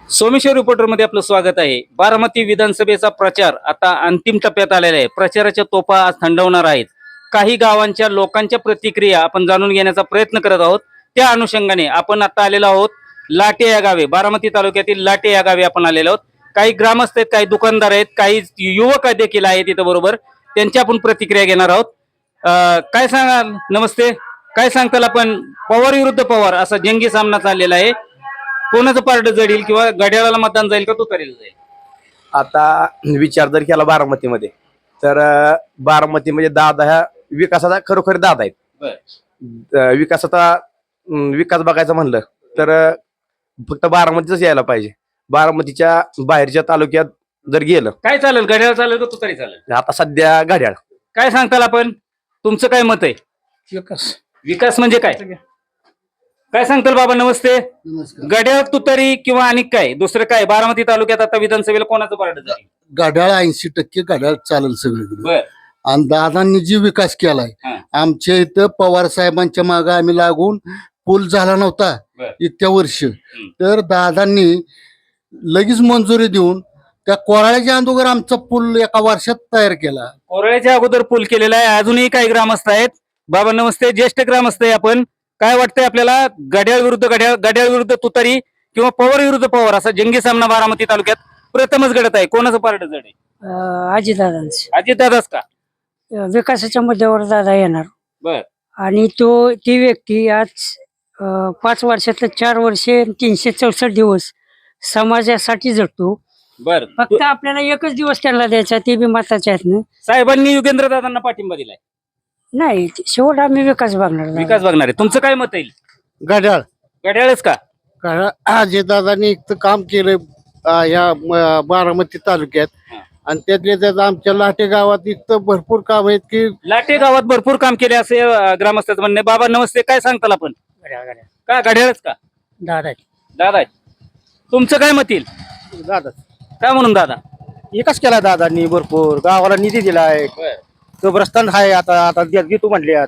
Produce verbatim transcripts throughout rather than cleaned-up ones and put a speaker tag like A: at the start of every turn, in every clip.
A: Someshwar reporter मध्ये आपलं स्वागत आहे। बारामती विधानसभेचा प्रचार आता अंतिम टप्प्यात आलेला आहे। प्रचाराच्या तोफा आज थंडवणार आहेत। काही गावांच्या लोकांच्या प्रतिक्रिया आपण जाणून घेण्याचा प्रयत्न करत आहोत। त्या अनुषंगाने आपण आता आलेलो आहोत लाटे या गावे, बारामती तालुक्यातील लाटे या गावे आपण आलेलो आहोत। काही ग्रामस्थ आहेत, काही दुकानदार आहेत, काही युवक देखील आहेत इथं बरोबर, त्यांची आपण प्रतिक्रिया घेणार आहोत। काय सांगाल? नमस्ते, काय सांगताल आपण? पवार विरुद्ध पवार असा जंगी सामना चाललेला आहे। कोणाचं पारड जडील किंवा घड्याळाला मतदान जाईल का तुतारीला जाईल?
B: आता विचार जर केला बारामतीमध्ये तर बारामतीमध्ये दादा ह्या विकासाचा खरोखर दादा आहेत। विकासाचा विकास बघायचा म्हणलं तर फक्त बारामतीच यायला पाहिजे। बारामतीच्या बाहेरच्या तालुक्यात जर गेलं
A: काय चालेल? घड्याळ चालेल का तुतारी चालेल?
B: आता सध्या घड्याळ।
A: काय सांगताल आपण? तुमचं काय मत आहे?
C: विकास
A: विकास म्हणजे काय काय सांगताल बाबा? नमस्ते। घड्याळ, तुतारी किंवा आणि काय दुसरं काय? बारामती तालुक्यात आता विधानसभेला कोणाचं पारड जाईल?
C: घड्याळ ऐंशी टक्के घड्याळ चालेल सगळीकडे।
A: बर,
C: आणि दादांनी जी विकास केलाय
A: हा.
C: आमच्या इथं पवार साहेबांच्या मागे आम्ही लागून पूल झाला नव्हता
A: बर.
C: इतक्या वर्ष, तर दादांनी लगेच मंजुरी देऊन त्या कोराळ्याच्या अगोदर आमचा पूल एका वर्षात तयार केला।
A: कोरळ्याच्या अगोदर पूल केलेला आहे। अजूनही काही ग्रामस्थ आहेत। बाबा नमस्ते, ज्येष्ठ ग्रामस्थ आहे आपण। काय वाटतंय आपल्याला? घड्याळ विरुद्ध घड्याळ, घड्याळ विरुद्ध तुतारी किंवा पवार विरुद्ध पवार असा जंगी सामना बारामती तालुक्यात प्रथमच घडत आहे। कोणाचं पारड जड आहे?
D: अजितदादांच
A: अजितदादाच का?
D: विकासाच्या मुद्द्यावर दादा येणार।
A: बर,
D: आणि तो ती व्यक्ती आज अं, पाच वर्षातलं चार वर्षे तीनशे चौसष्ट दिवस समाजासाठी जगतो।
A: बर।
D: फक्त आपल्याला एकच दिवस त्यांना द्यायचा, ते बी मताच्या आहेत ना।
A: साहेबांनी युगेंद्र दादांना पाठिंबा दिलाय।
D: नाही, शेवट आम्ही विकास बघणार दादा.
A: विकास बघणार आहे। तुमचं काय मत येईल?
C: घड्याळ
A: घड्याळच का?
C: अजितदादांनी इतकं काम केलं या बारामती तालुक्यात,
A: हा.
C: आणि त्यातल्या त्यात आमच्या लाटे गावात इतकं भरपूर काम आहेत की
A: लाटे गावात भरपूर काम केले असे अं, ग्रामस्थांचं म्हणणे। बाबा नमस्ते, काय सांगताल आपण? का घड्याळच का?
D: दादा
A: दादा आहेत। तुमचं काय मत येईल?
C: दादा
A: काय म्हणून दादा?
B: विकास केला दादांनी, भरपूर गावाला निधी दिलाय। कब्रस्तान आहे आता आता घेतो म्हणले।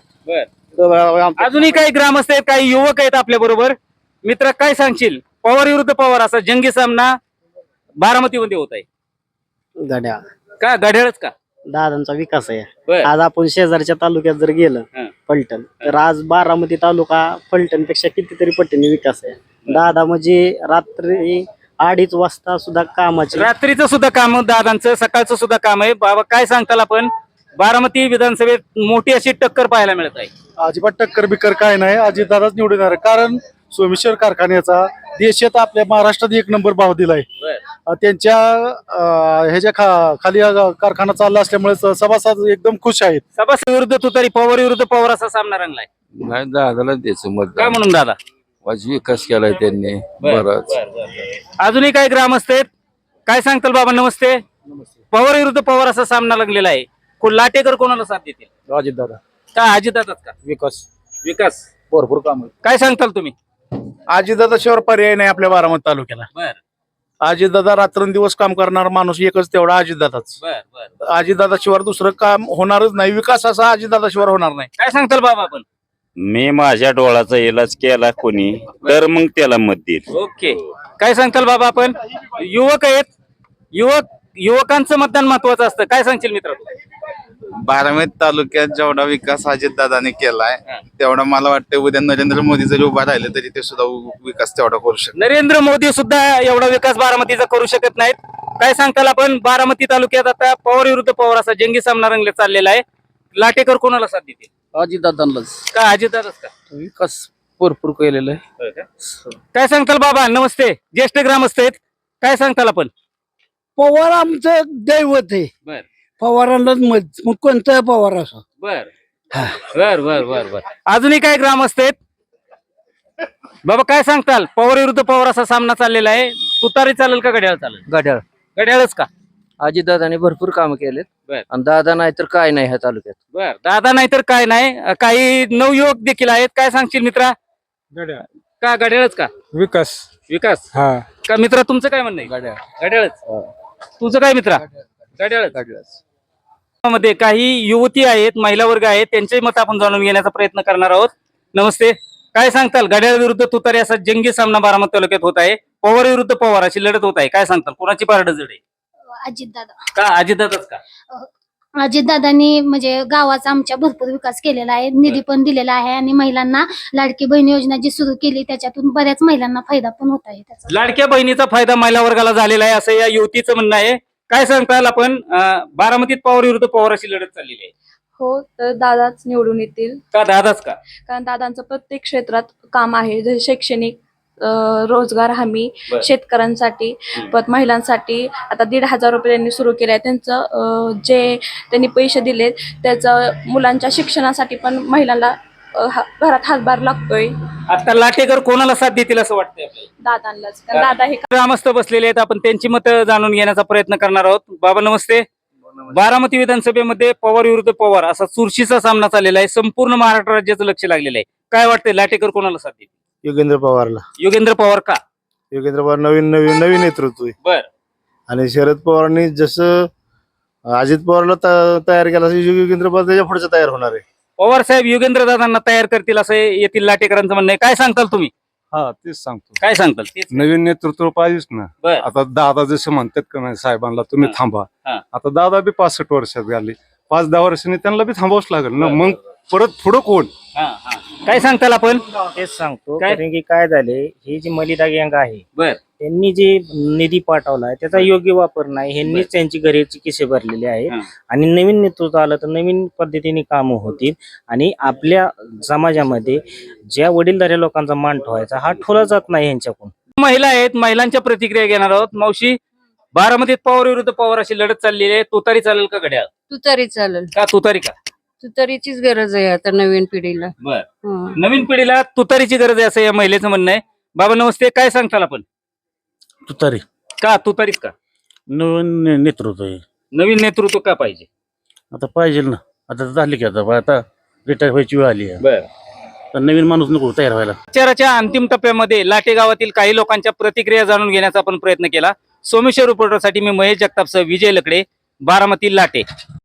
A: अजूनही काही ग्रामस्थ आहेत, काही युवक आहेत आपल्या बरोबर। मित्र, काय सांगशील? पवार विरुद्ध पवार असा जंगी सामना बारामतीमध्ये होत आहे।
E: घड्याळ
A: का घड्याळच का?
E: दादांचा विकास आहे।
A: बर.
E: आज आपण शेजारच्या तालुक्यात जर गेलं
A: हं.
E: फलटण, तर आज बारामती तालुका फलटण पेक्षा कितीतरी पटीने विकास आहे। दादा म्हणजे रात्री अडीच वाजता सुद्धा कामाची,
A: रात्रीचं सुद्धा काम दादांचं, सकाळचं सुद्धा काम आहे। बाबा काय सांगताल आपण? बारामती विधानसभेत मोठी अशी टक्कर पाहायला मिळत आहे।
F: अजिबात टक्कर बिक्कर काय नाही, अजितदादाच निवडून येणार आहे। कारण सोमेश्वर कारखान्याचा देशात आपल्या महाराष्ट्रात एक नंबर भाव दिलाय। अं, त्यांच्या अं, ह्याच्या खा खाली अं, कारखाना चालला असल्यामुळे स- सभासद एकदम खुश आहेत।
A: सभासद विरुद्ध तुतारी, पवार विरुद्ध पवार असा सामना रंगलाय।
G: नाही दादाला द्यायचं मत.
A: काय म्हणून दादा?
G: वाज विकास केलाय त्यांनी बराच.
A: अजूनही काही ग्रामस्थ आहेत। काय सांगताल बाबा? नमस्ते। पवार विरुद्ध पवार असा सामना लागलेला आहे। को- लाटेकर कोणाला साथ देतील?
B: अजितदादा
A: का अजितदादाच का?
B: विकास
A: विकास
B: भरपूर काम।
A: काय सांगताल तुम्ही?
B: अजितदादा शिवाय पर्याय नाही आपल्या बारामती तालुक्याला।
A: बर
B: अजितदादा रात्रंदिवस काम करणार माणूस एकच तेवढा अजितदादाच।
A: बर बर।
B: अजितदादा शिवाय दुसरं काम होणारच नाही। विकास असा अजितदादा शिवाय होणार नाही।
A: काय सांगताल बाबा आपण?
H: मी माझ्या डोळाचा इलाज केला कोणी तर मग त्याला मत देईल.
A: ओके, काय सांगताल बाबा आपण? युवक आहेत, युवक युवकांचं मतदान महत्वाचं असतं। काय सांगशील मित्र?
I: बारामती तालुक्यात जेवढा विकास अजितदादांनी केलाय तेवढा मला वाटतं उद्या नरेंद्र मोदी जरी उभा राहिले तरी ते सुद्धा विकास तेवढा करू शकतात।
A: नरेंद्र मोदी सुद्धा एवढा विकास बारामतीचा करू शकत नाहीत। काय सांगताल आपण? बारामती तालुक्यात आता पवार विरुद्ध पवार असा जंगी सामना रंगले चाललेला आहे। लाटेकर कोणाला साथ देतील?
B: अजितदादांनाच
A: का अजितदादाच का?
B: विकास भरपूर केलेला आहे।
A: काय सांगताल बाबा? नमस्ते, ज्येष्ठ ग्रामस्थ आहेत। काय सांगताल आपण?
C: पवार आमचं दैवत आहे।
A: बर
C: पवारांनाच मत, मग कोणता पवार असो।
A: बर बर बर बर बर। अजूनही काय ग्रामस्थ आहेत? बाबा काय सांगताल? पवार विरुद्ध पवार असा सामना चाललेला आहे। तुतारी चालेल का घड्याळ चालेल?
E: घड्याळ
A: घड्याळच का?
E: अजितदादांनी भरपूर काम केलेत,
A: बर.
E: आणि दादा नाही तर काय नाही ह्या तालुक्यात।
A: बर, दादा नाही तर काय नाही। काही नवयुवक देखील आहेत। काय सांगशील मित्रा?
F: घड्याळ
A: का घड्याळच का?
F: विकास
A: विकास
F: हा
A: का मित्रा? तुमचं काय म्हणणं आहे?
B: घड्याळ
A: घड्याळच। तुझं काय मित्रा? घड्याळच। मध्ये काही युवती आहेत, महिला वर्ग आहेत, त्यांचे मत आपण जाणून घेण्याचा प्रयत्न करणार आहोत। नमस्ते, काय सांगताल घड्याळ विरुद्ध तुतारी असा जंगी सामना बारामती तालुक्यात होत आहे. पवार विरुद्ध पवार अशी लढत होत आहे. काय सांगताल कोणाची पारड जड आहे?
J: अजितदादा
A: का अजितदादाच का?
J: अजितदादांनी म्हणजे गावाचा आमच्या भरपूर विकास केलेला आहे, निधी पण दिलेला आहे आणि महिलांना लाडकी बहीण योजना जी सुरू केली त्याच्यातून बऱ्याच महिलांना फायदा पण होत आहे त्याचा.
A: लाडक्या बहिणीचा फायदा महिला वर्गाला झालेला आहे असं या युवतीचं म्हणणं आहे. काय सांगताल आपण अं, बारामतीत पवार विरुद्ध पवार अशी लढत चाललेली आहे.
K: हो, तर दादाच निवडून येतील.
A: का दादाच का?
K: कारण दादांचं प्रत्येक क्षेत्रात काम आहे, जसे शैक्षणिक, अं, रोजगार हमी,
A: बरं.
K: शेतकऱ्यांसाठी, परत महिलांसाठी आता दीड हजार रुपये त्यांनी सुरू केले आहे. त्यांचं अं, जे त्यांनी पैसे दिलेत त्याचं मुलांच्या शिक्षणासाठी पण महिलांना अं, हा- घरात हातभार लागतोय.
A: आता लाटेकर कोणाला साथ देतील असं वाटतंय आपल्याला?
K: दादांनाच, कारण दादा हे
A: ग्रामस्थ बसलेले आहेत. आपण त्यांची मतं जाणून घेण्याचा प्रयत्न करणार आहोत. बाबा नमस्ते. बारामती विधानसभेमध्ये पवार विरुद्ध पवार असा चुरशीचा सामना चाललेला आहे. संपूर्ण महाराष्ट्र राज्याचं लक्ष लागलेलं आहे. काय वाटतंय लाटेकर कोणाला साथ देतील?
F: योगेंद्र पवारला.
A: योगेंद्र पवार का?
F: योगेंद्र पवार नवीन नवीन नवीन नेतृत्व आहे.
A: बर.
F: आणि शरद पवारांनी जसं अजित पवारला त- तयार केला तसं योगेंद्र पवार त्याच्या पुढचं तयार होणार आहे.
A: पवार साहेब योगेंद्र दादांना तयार करतील असं येथील लाटेकरांचं म्हणणं आहे. काय सांगताल तुम्ही?
L: हा तेच सांगतो.
A: काय सांगताल? तेच.
L: नवीन नेतृत्व पाहिजेच ना.
A: बर.
L: आता दादा जसं म्हणतात का नाही साहेबांना तुम्ही
A: हा.
L: थांबा.
A: हा.
L: आता दादा बी पासष्ट वर्षात झाले, पाच दहा वर्षांनी त्यांना बी थांबावंच लागेल ना.
A: बर.
L: मग परत पुढं कोण?
A: हा, हा. काय सांगताल आपण?
E: तेच सांगतो,
A: काय?
E: कारण की काय झाले, ही जी मलिदा गँग आहे
A: बर.
E: त्यांनी जे निधी पाठवलाय त्याचा योग्य वापर नाही. ह्यांनीच त्यांची घरेची किसे भरलेले आहेत.
A: हा.
E: आणि नवीन नेतृत्व आलं तर नवीन पद्धतीने कामं होतील आणि आपल्या समाजामध्ये ज्या वडीलधाऱ्या लोकांचा मान ठेवायचा हा ठेवला जात नाही यांच्याकडून.
A: महिला आहेत, महिलांच्या प्रतिक्रिया घेणार आहोत. मावशी, बारामतीत पवार विरुद्ध पवार अशी लढत चाललेली आहे. तुतारी चालेल का घड्याळ?
D: तुतारी चालेल.
A: का तुतारी का?
D: तुतारीचीच गरज आहे आता नवीन पिढीला.
A: बर.
D: हं.
A: नवीन पिढीला तुतारीची गरज आहे असं या महिलेचं म्हणणं आहे. बाबा नमस्ते. काय सांगताल आपण?
F: तुतारी.
A: का तुतारीच का?
F: नवीन नेतृत्व आहे.
A: नवीन नेतृत्व का पाहिजे?
F: आता पाहिजे ना. आता झाली की आता आता रिटायर व्हायची वेळ आली आहे.
A: बर.
F: तर नवीन माणूस नको तयार व्हायला.
A: प्रचाराच्या अंतिम टप्प्यामध्ये लाटे गावातील काही लोकांच्या प्रतिक्रिया जाणून घेण्याचा आपण प्रयत्न केला. सोमेश्वर रिपोर्टरसाठी मी महेश जगतापसह विजय लकडे, बारामती लाटे.